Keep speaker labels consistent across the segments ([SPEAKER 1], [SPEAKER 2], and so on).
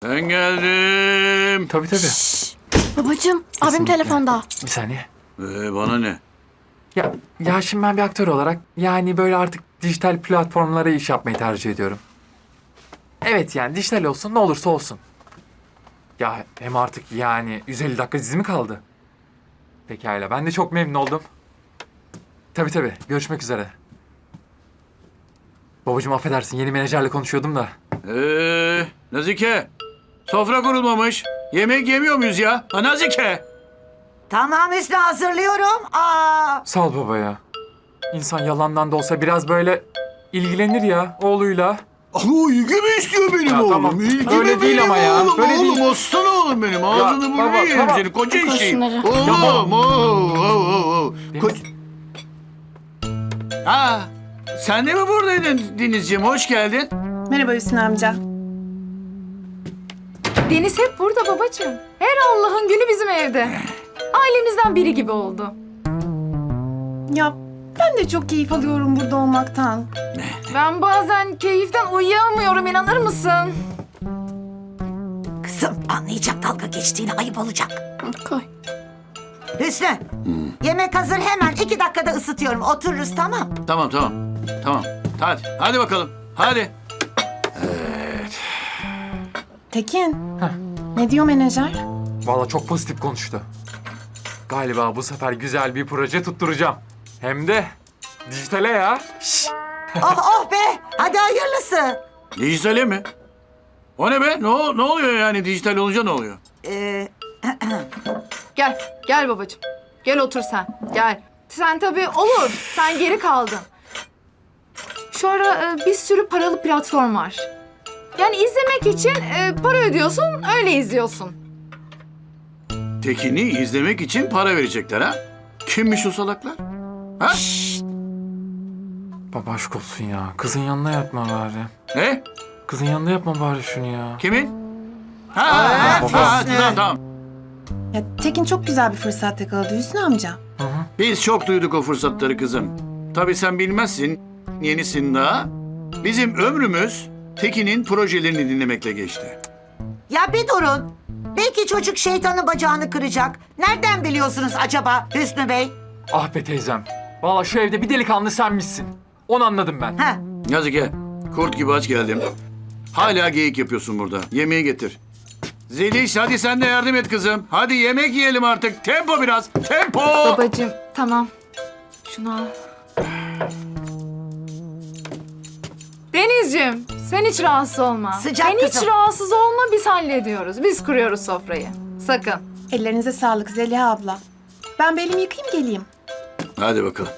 [SPEAKER 1] Ben geldim.
[SPEAKER 2] Tabii tabii.
[SPEAKER 3] Babacığım, abim
[SPEAKER 2] Kesinlikle.
[SPEAKER 3] telefonda.
[SPEAKER 2] Bir saniye.
[SPEAKER 1] Bana ne?
[SPEAKER 2] Ya şimdi ben bir aktör olarak yani böyle artık dijital platformlara iş yapmayı tercih ediyorum. Evet yani dijital olsun ne olursa olsun. Ya hem artık yani 150 dakika dizi mi kaldı? Pekala ben de çok memnun oldum. Tabii tabii görüşmek üzere. Babacığım affedersin yeni menajerle konuşuyordum da.
[SPEAKER 1] Nazike. Sofra kurulmamış. Yemek yemiyor muyuz ya? Ha Nazike.
[SPEAKER 4] Tamam Hüsnü, hazırlıyorum.
[SPEAKER 2] Sağ ol baba ya. İnsan yalandan da olsa biraz böyle ilgilenir ya oğluyla.
[SPEAKER 1] İlgi mi istiyor benim
[SPEAKER 2] Ya
[SPEAKER 1] oğlum?
[SPEAKER 2] tamam,
[SPEAKER 1] İlgi
[SPEAKER 2] öyle
[SPEAKER 1] mi
[SPEAKER 2] değil
[SPEAKER 1] benim
[SPEAKER 2] ama ya,
[SPEAKER 1] oğlum?
[SPEAKER 2] öyle
[SPEAKER 1] Oğlum
[SPEAKER 2] değil.
[SPEAKER 1] aslan oğlum benim. Ağzını
[SPEAKER 2] baba,
[SPEAKER 1] burnunu yerim
[SPEAKER 2] tamam.
[SPEAKER 1] seni. Koca
[SPEAKER 3] Koy
[SPEAKER 1] işi.
[SPEAKER 3] şunları.
[SPEAKER 1] Oğlum.
[SPEAKER 2] Benim-
[SPEAKER 1] Sen de mi buradaydın Denizciğim? Hoş geldin.
[SPEAKER 5] Merhaba Hüsnü amca.
[SPEAKER 6] Deniz hep burada babacığım. Her Allah'ın günü bizim evde. Ailemizden biri gibi oldu.
[SPEAKER 5] Ya ben de çok keyif alıyorum burada olmaktan.
[SPEAKER 6] Ben bazen keyiften uyuyamıyorum, inanır mısın?
[SPEAKER 4] Kızım, anlayacak dalga geçtiğini, ayıp olacak.
[SPEAKER 3] Koy.
[SPEAKER 4] Hüsnü, yemek hazır, hemen 2 dakikada ısıtıyorum. Otururuz, tamam.
[SPEAKER 1] Tamam. Hadi bakalım. Hadi.
[SPEAKER 5] Tekin, ne diyor menajer?
[SPEAKER 2] Vallahi çok pozitif konuştu. Galiba bu sefer güzel bir proje tutturacağım. Hem de dijitale ya.
[SPEAKER 4] Oh be, hadi hayırlısı.
[SPEAKER 1] Dijitale mi? O ne be? Ne oluyor yani dijital olunca ne oluyor?
[SPEAKER 6] Gel babacığım. Gel otur sen, gel. Sen tabii olur, sen geri kaldın. Şu ara bir sürü paralı platform var. Yani izlemek için para ödüyorsun, öyle izliyorsun.
[SPEAKER 1] Tekin'i izlemek için para verecekler ha? Kimmiş o salaklar? Ha?
[SPEAKER 2] Baba aşk olsun ya. Kızın yanına yapma bari.
[SPEAKER 1] Ne?
[SPEAKER 2] Kızın yanında yapma bari şunu ya.
[SPEAKER 1] Kimin? Tamam.
[SPEAKER 5] Ya Tekin çok güzel bir fırsat yakaladı Hüsnü amca.
[SPEAKER 2] Hı hı.
[SPEAKER 1] Biz çok duyduk o fırsatları kızım. Tabii sen bilmezsin, yenisin daha. Bizim ömrümüz Tekin'in projelerini dinlemekle geçti.
[SPEAKER 4] Ya bir durun. Belki çocuk şeytanın bacağını kıracak. Nereden biliyorsunuz acaba Hüsnü Bey?
[SPEAKER 2] Ah be teyzem. Vallahi şu evde bir delikanlı senmişsin. Onu anladım ben.
[SPEAKER 4] Ha,
[SPEAKER 1] Yazık kurt gibi aç geldim. Hala geyik yapıyorsun burada. Yemeği getir. Zeliş hadi sen de yardım et kızım. Hadi yemek yiyelim artık. Tempo biraz. Tempo.
[SPEAKER 6] Babacığım, tamam. Şunu al. Denizciğim, sen hiç rahatsız olma.
[SPEAKER 4] Sıcak
[SPEAKER 6] sen hiç
[SPEAKER 4] kızım.
[SPEAKER 6] rahatsız olma, biz hallediyoruz. Biz kuruyoruz sofrayı. Sakın.
[SPEAKER 5] Ellerinize sağlık Zeliha abla. Ben bir elimi yıkayayım geleyim.
[SPEAKER 1] Hadi bakalım.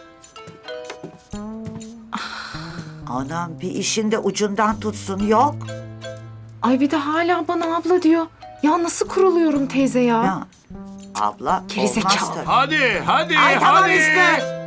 [SPEAKER 4] anam bir işinde ucundan tutsun, yok.
[SPEAKER 6] Ay bir de hala bana abla diyor. Ya nasıl kuruluyorum teyze ya?
[SPEAKER 4] Ya, abla
[SPEAKER 6] Gerizekalı.
[SPEAKER 4] olmaz tabii.
[SPEAKER 1] Hadi.
[SPEAKER 4] Ay tamam
[SPEAKER 1] hadi.
[SPEAKER 4] Hüsnü.